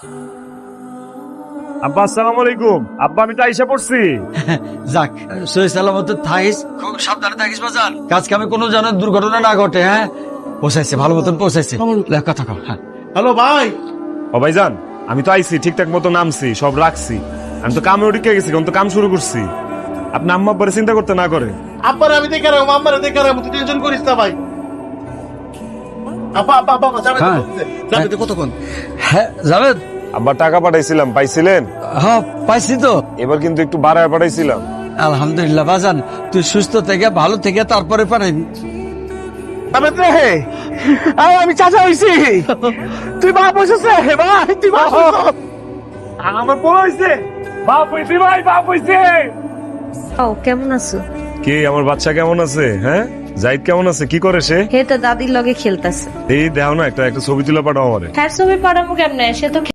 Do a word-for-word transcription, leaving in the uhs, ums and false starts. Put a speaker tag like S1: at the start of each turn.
S1: আব্বা আসসালামু আলাইকুম। আব্বা আমি তো আইসা পড়ছি।
S2: যাক, সহি সালামত থাকিস, খুব সাবধানে থাকিস বাজান। কাজ কামে কোনো যেন দুর্ঘটনা না ঘটে। হ্যাঁ, পৌঁছাইছে, ভালো মতন পৌঁছাইছে। লে, কথা কও। হ্যাঁ,
S3: হ্যালো ভাই।
S1: ও ভাইজান, আমি তো আইছি ঠিকঠাক মতো নামছি, সব রাখছি। আমি তো কামে উঠে গেছি, এখন তো কাম শুরু করছি। আপনি আম্মা আব্বারে চিন্তা করতে না করে।
S3: আব্বার আমি দেখে রাখবো, আম্মারে দেখে রাখবো, তুই টেনশন করিস না ভাই। আব্বা আব্বা আব্বা যাবে
S2: হ্যাঁ।
S3: যাবে তো কতক্ষণ?
S2: হ্যাঁ জাভেদ।
S1: আব্বা টাকা পাঠাইছিলাম, পাইছিলেন?
S2: হ্যাঁ, পাইছি তো।
S1: এবার কিন্তু একটু বাড়ায় পাঠাইছিলাম।
S2: আলহামদুলিল্লাহ বাজান, তুই সুস্থ থেকে ভালো থেকে তারপরে পারেন।
S3: আমি চাচা হইছি। তুই বাপ হইছিস রে ভাই, তুই বাপ হইছিস।
S1: আমার বড় হইছে, বাপ হইছে ভাই, বাপ হইছে।
S4: ও কেমন আছো?
S1: কে আমার বাচ্চা কেমন আছে? হ্যাঁ, জাহিদ কেমন আছে? কি করে সে?
S4: হে তো দাদির লগে খেলতেছে।
S1: এই দেও না, একটা একটা ছবি তুলে পাঠাও আমারে।
S4: হ্যাঁ ছবি পাঠাবো কেমনে, সে তো